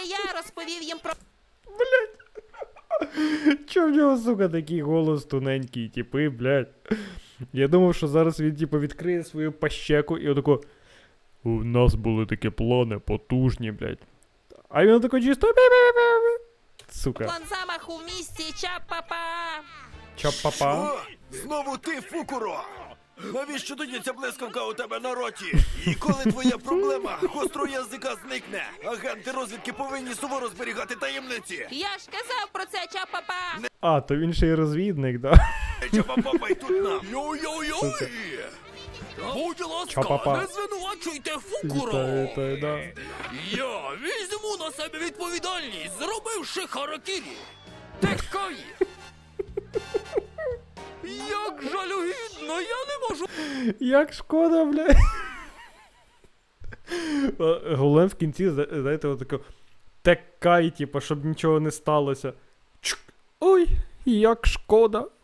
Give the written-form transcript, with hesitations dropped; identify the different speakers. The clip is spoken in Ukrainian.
Speaker 1: я розповів їм про...
Speaker 2: Чо в нього, сука, такий голос тоненький, типи, блядь. Я думав, що зараз він, типу, відкриє свою пащеку і отако... У нас були такі плани потужні, блядь. А він отако чисто... Сука.
Speaker 1: план замаху в місті Чапапа.
Speaker 2: Чап-папа.
Speaker 3: О, знову ти, Фукуро! Навіщо тоді ця блискавка у тебе на роті? І коли твоя проблема гострого язика зникне, агенти розвідки повинні суворо зберігати таємниці.
Speaker 1: Я ж казав про це, Чапапа.
Speaker 2: А, то він ще й розвідник, да?
Speaker 3: Чапа-папа тут нам.
Speaker 4: Йой-йой-йой! Будь ласка,
Speaker 2: Ча-па-па.
Speaker 4: не звинувачуйте Фукуро!
Speaker 2: Вітаю, да.
Speaker 4: Я візьму на себе відповідальність, зробивши харакірі. Текай! Як жалюгідно, я не можу...
Speaker 2: Як шкода, блядь. Головне в кінці, знаєте, отако... Текай, типу, щоб нічого не сталося. Чук. Ой, як шкода.